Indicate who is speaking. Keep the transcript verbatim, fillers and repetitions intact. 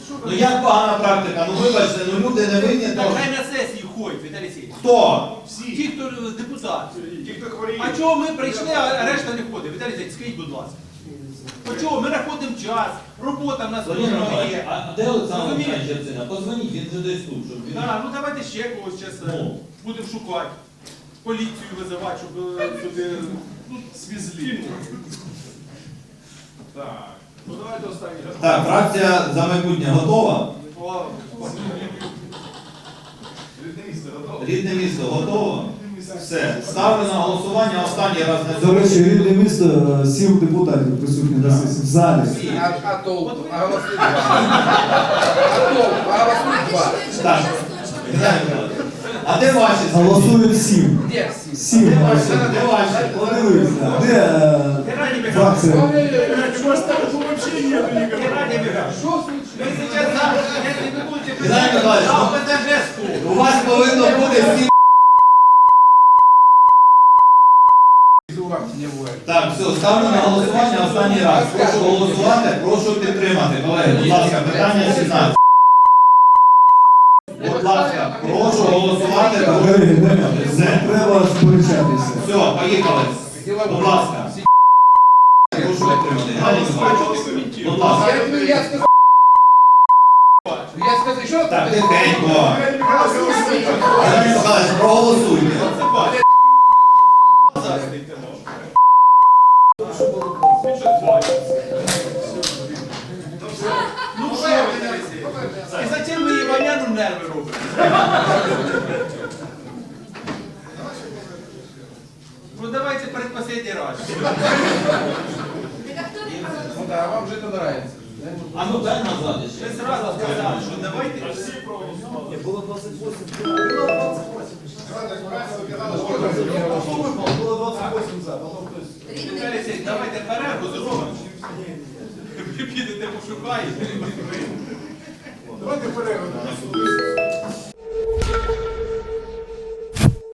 Speaker 1: Ну як погана практика? Ну вибачте, ну люди не винні
Speaker 2: Так
Speaker 1: того.
Speaker 2: хай на сесії ходять, Віталій Сергійович.
Speaker 1: Хто?
Speaker 2: Ті, хто депутати.
Speaker 3: Ті, хто хворіє.
Speaker 2: А чого ми прийшли, а решта не ходить? Віталій Сергійович, скажіть, будь ласка. А чого? Ми знаходимо час, робота в нас
Speaker 4: Володимир
Speaker 2: кожного
Speaker 4: Михайлович,
Speaker 2: є.
Speaker 4: а де Олександр
Speaker 2: Розумієте?
Speaker 4: Михайлович Яцина? Позвоніть, він же десь тут, щоб він...
Speaker 2: Да, ну давайте ще когось зараз
Speaker 4: Ну.
Speaker 2: будемо шукати. Поліцію визивати, щоб е, сюди ну, свізлі.
Speaker 3: Так. Ну давайте останній.
Speaker 1: Так, фракція за майбутнє готова?
Speaker 2: О,
Speaker 3: Рідне місце готове?
Speaker 1: Рідне місто готово? Все. Ставлю на голосування останній раз на
Speaker 5: До речі, рідне місто, е, сім депутатів присутні на сесії в залі.
Speaker 6: А, а толку? А голосують два. А толку? А голосують два.
Speaker 1: Так. Геннадій Михайлович, а де ваші?
Speaker 5: Голосують сім.
Speaker 6: Де всі?
Speaker 5: Сім
Speaker 1: Де ваші?
Speaker 5: голосують.
Speaker 1: Де ваші?
Speaker 5: Подивися, де е,
Speaker 2: Геннадій Михайлович,
Speaker 5: фракція?
Speaker 3: Чого такого взагалі нету нікого?
Speaker 2: Геннадій Михайлович,
Speaker 6: Що случилось?
Speaker 2: ви зараз, за- якщо ви будете
Speaker 1: Геннадій Михайлович,
Speaker 2: за
Speaker 1: ну,
Speaker 2: ОПЗЖ стул.
Speaker 1: У вас повинно бути всі.
Speaker 6: Не буває.
Speaker 1: Так, все, ставлю на голосування останній раз. Прошу голосувати, прошу підтримати. Колеги, будь ласка, питання сімнадцять. Будь ласка, прошу голосувати.
Speaker 5: Колеги, не,
Speaker 1: Все.
Speaker 5: не треба сперечатися.
Speaker 1: Все, поїхали. Будь ласка. Прошу підтримати. Геннадій Михайлович, будь ласка.
Speaker 6: Я, ну, я сказав. Я сказав, що
Speaker 1: Так,
Speaker 6: ти?
Speaker 1: тихенько.
Speaker 3: Геннадій Михайлович,
Speaker 1: Геннадій Михайлович, проголосуйте.
Speaker 2: Ну що, Віталій Сергійович? І зачем ви Іваняну нерви робите? Ну давайте предпоследний раз.
Speaker 6: Ну да, вам же это нравится.
Speaker 4: А ну дай назад
Speaker 2: Ви
Speaker 4: ще.
Speaker 2: зразу сказали, що давайте.
Speaker 5: Було двадцять вісім. Було двадцять вісім за, потім хтось.
Speaker 2: Віталій Сергійович, давайте перерву зробимо. Ви підете пошукаєте.
Speaker 3: давайте перерву.